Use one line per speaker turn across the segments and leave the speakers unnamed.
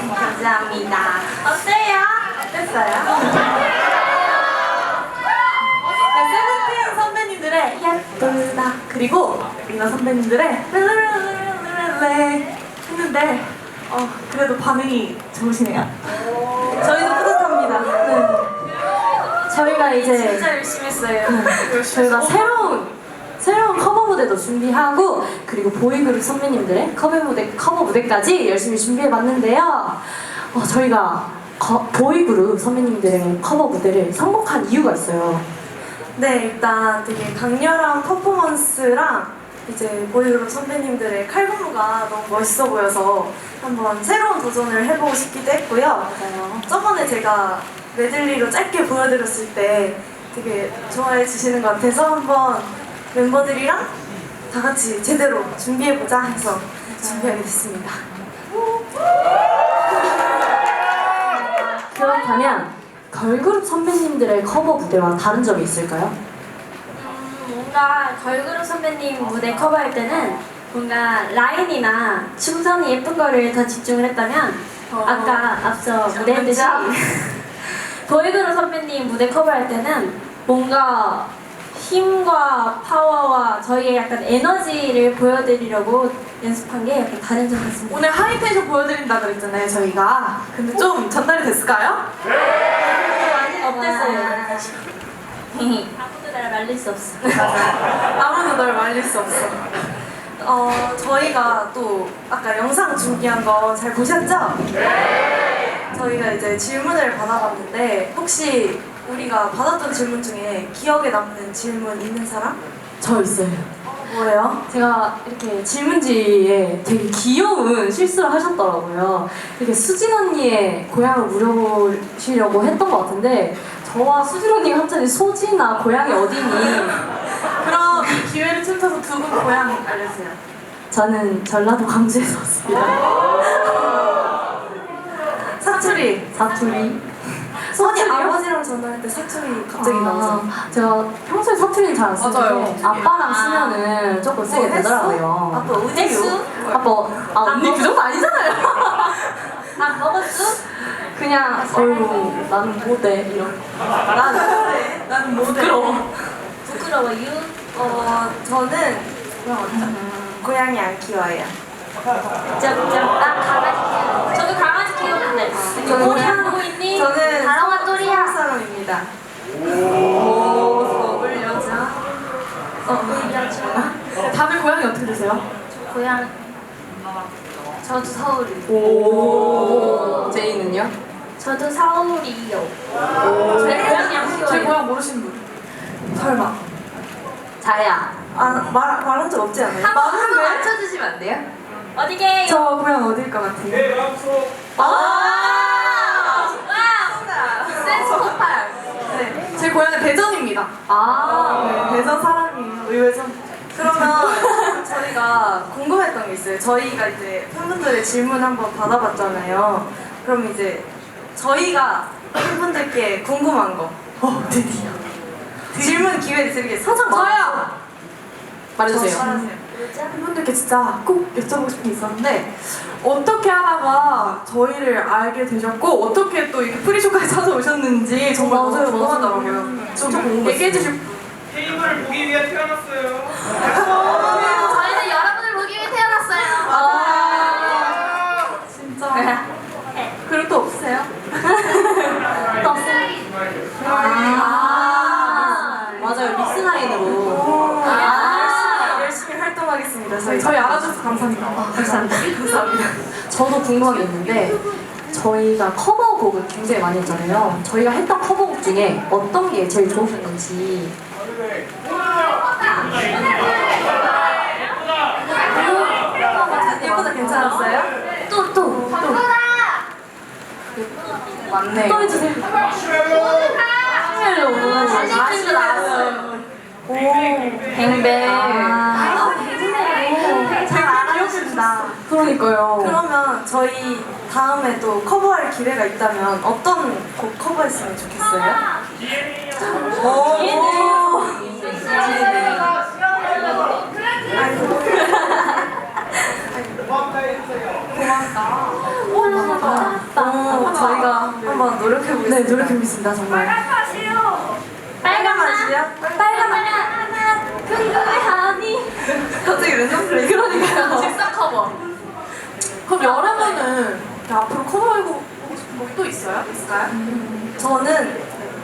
감사합니다. 어때요? 어땠어요? 네, 세븐틴 선배님들의 예쁘다 그리고 리나 선배님들의 랄랄랄랄랄랄 했는데 그래도 반응이 좋으시네요. 저희도 뿌듯합니다. 네. 저희가 이제
진짜 열심히 했어요.
저희가 새로운 커버 무대도 준비하고 그리고 보이그룹 선배님들의 커버 무대까지 열심히 준비해봤는데요. 저희가 보이그룹 선배님들의 커버 무대를 선곡한 이유가 있어요.
네, 일단 되게 강렬한 퍼포먼스랑 이제 보이그룹 선배님들의 칼군무가 너무 멋있어 보여서 한번 새로운 도전을 해보고 싶기도 했고요.
맞아요.
저번에 제가 메들리로 짧게 보여드렸을 때 되게 좋아해 주시는 것 같아서 한번 멤버들이랑 다 같이 제대로 준비해보자 해서 준비하게 됐습니다.
그렇다면 걸그룹 선배님들의 커버 무대와 다른 점이 있을까요?
뭔가 걸그룹 선배님 무대 커버할 때는 뭔가 라인이나 춤선이 예쁜 거를 더 집중을 했다면 아까 앞서 무대했듯이 보이그룹 선배님 무대 커버할 때는 뭔가 힘과 파워와 저희의 약간 에너지를 보여드리려고 연습한 게 약간 다른 점 같습니다.
오늘 하이텐션 보여드린다 그랬잖아요, 저희가. 근데 좀 전달이 됐을까요?
어땠어요? 아무도 날 말릴 수 없어.
아무도 널 말릴 수 없어. 저희가 또 아까 영상 준비한 거 잘 보셨죠? 저희가 이제 질문을 받아봤는데 혹시 우리가 받았던 질문 중에 기억에 남는 질문 있는 사람?
저 있어요.
뭐예요?
제가 이렇게 질문지에 되게 귀여운 실수를 하셨더라고요. 이렇게 수진 언니의 고향을 물어보시려고 했던 것 같은데 저와 수진 언니가 갑자기 소지나 고향이 어디니?
그럼 이 기회를 틈타서 두 분 고향 알려주세요.
저는 전라도 광주에서 왔습니다.
사투리.
사투리.
선이
사투리요?
아버지랑 전화할 때 사투리 갑자기 나오죠.
제가 평소에 사투리는 잘 안 쓰는데
맞아요.
아빠랑 쓰면은 조금 쓰게 되더라고요.
아빠 어디요?
아빠, 언니 그 정도 아니잖아요.
밥 먹었어?
그냥 어휴 나는 모대 이런.
나는 모델.
부끄러워.
부끄러워요?
저는 고양이 안 키워요.
나 강아지 키워. 저도 강아지 키우는데.
저는
고향 보고 있니?
저는
다롱아 또리야.
서울 사람입니다. 서울 여자. 다들 고향이 어떻게 되세요?
고향. 저도 서울이요.
오. 제이는요?
저도 서울이요.
제
고양이 안 키워요.
제 고향 모르시는 분? 설마.
자야.
말한 적 없지 않아요?
한번
왜?
맞춰주시면 안 돼요? 어디게요?
저 고향 어딜 것 같아요?
센스 폭발.
네, 제 고향은 대전입니다. 네, 대전 사람이에요. 의외죠? 그러면 저희가 궁금했던 게 있어요. 저희가 이제 팬분들의 질문 한번 받아봤잖아요. 그럼 이제 저희가 팬분들께 궁금한 거. 드디어. 질문 기회를 드리겠습니다. 저요!
말해주세요.
팬분들께 진짜 꼭 여쭤보고 싶은 게 있었는데 어떻게 하다가 저희를 알게 되셨고 어떻게 또 이렇게 프리쇼까지 찾아오셨는지 정말 너무
맞아요,
궁금하더라고요.
진짜
좀
궁금했어요.
얘기해 주실 분.
테이블을 보기 위해 태어났어요.
저희는 여러분을 보기 위해 태어났어요.
진짜. 그리고 또 없으세요?
맞아요. 믹스나인으로.
열심히 활동하겠습니다. 저희 알아줘서 감사합니다.
감사합니다.
감사합니다.
저도 궁금한 게 있는데 저희가 커버곡을 굉장히 많이 했잖아요. 저희가 했던 커버곡 중에 어떤 게 제일 좋으셨는지.
예쁘다 괜찮았어요?
또.
맞네.
또 해주세요.
신입생도 나왔어요.
뱅뱅.
잘 알아주신다.
그러니까요.
그러면 저희 다음에 또 커버할 기회가 있다면 어떤 곡 커버했으면 좋겠어요? 고맙다. 저희가 한번 노력해보겠습니다.
네, 노력해보겠습니다, 정말.
빨간 맛이요?
빨간 하나 궁금해하니.
갑자기 랜덤 플레이.
그러니까요.
직사 커버. 그럼 여름에는 앞으로 커버하고 싶은 곡 또 있어요? 있을까요?
저는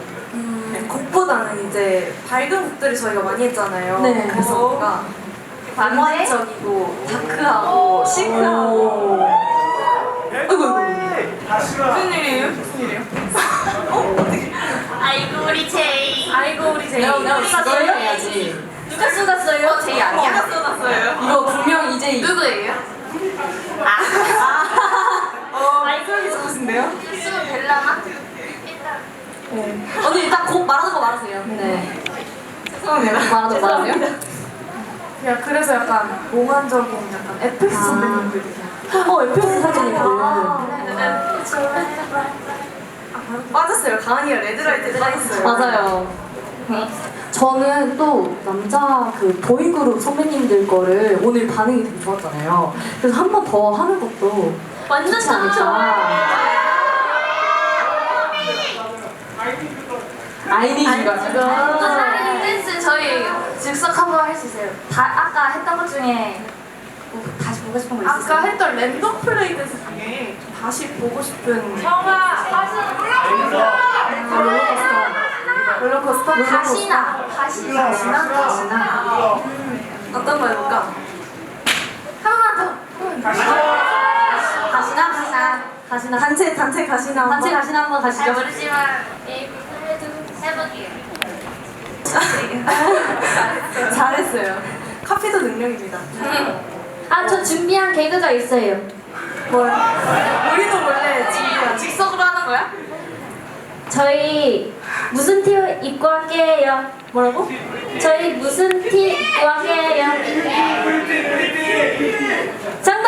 곡보다는 이제 밝은 곡들을 저희가 많이 했잖아요.
네.
그래서 뭔가 낭만적이고 다크하고 시크하고. 무슨 일이에요? 무슨 일이에요?
아이고 우리 제이.
아이고 우리 제이.
너희가 해야지.
누가 쏟았어요?
제이 아니야? 누가 써놨어요?
이거 분명 이제
누구예요?
아이고
누구신데요?
쓰면 될라나?
언니 일단 곡 말하는 거 말하세요. 네.
죄송합니다.
말하는 거 말하세요?
그냥 그래서 약간 몽환적인 약간 FX 선배님들.
FX 사진이거든.
빠졌어요. 가은이가 레드라이트에 빠졌어요.
맞아요. 저는 또 남자 그 보이그룹 선배님들 거를 오늘 반응이 되게 좋았잖아요. 그래서 한 번 더 하는 것도
완전
좋지 않을까. 아이니즈가
사랑의 댄스 저희 즉석 한번 할 수 있어요. 아까 했던 것 중에 뭐 다시 보고 싶은 거 있어요?
아까 했던 랜덤 플레이 댄스 중에 좀 다시 보고 싶은
형아 다시
롤러코스터?
다시나
어떤 거 해볼까?
하나만 더 가시나
단체 가시나 한번?
단체 가시나 한번
잘
가시죠.
모르지만 해볼게요.
잘했어요. 카피도 능력입니다.
아 저 준비한 개그가 있어요.
뭘? 우리도 원래 직석으로 하는 거야?
저희 무슨 티 입고 할게요?
뭐라고?
저희 무슨 티 입고 할게요? 정답!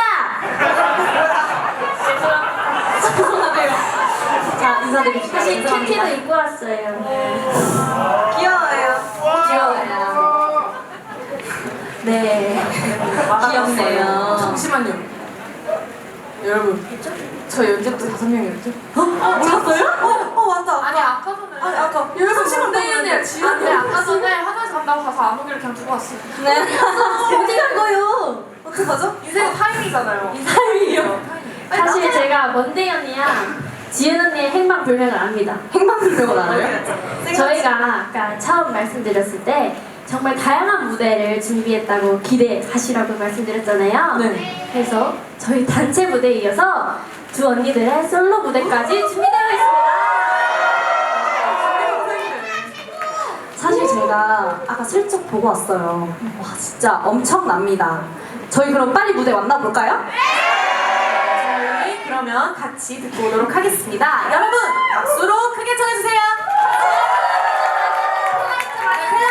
자, 인사드립시다.
사실 큐티도 입고 왔어요.
귀여워요.
귀여워요. 네. 귀엽네요.
잠시만요. 여러분, 저 연습도 5명이었죠?
몰랐어요?
맞다.
아니 아까 전에
아니, 아까 여기서 시간 때문에
아니 아까 전에 화장실 간다고 가서 아무개를 그냥 두고 왔어요.
네. 어디 간 거요?
어떡하죠?
인생은 타임이잖아요.
타임이요.
사실 제가 먼데이 언니랑 지은 언니의 행방불명을 압니다.
행방불명을 알아요?
저희가 아까 처음 말씀드렸을 때 정말 다양한 무대를 준비했다고 기대하시라고 말씀드렸잖아요.
네.
그래서 저희 단체 무대에 이어서 두 언니들의 솔로 무대까지 준비되어 있습니다.
사실 제가 아까 슬쩍 보고 왔어요. 와, 진짜 엄청납니다. 저희 그럼 빨리 무대 만나볼까요?
저희 그러면 같이 듣고 오도록 하겠습니다. 여러분, 박수로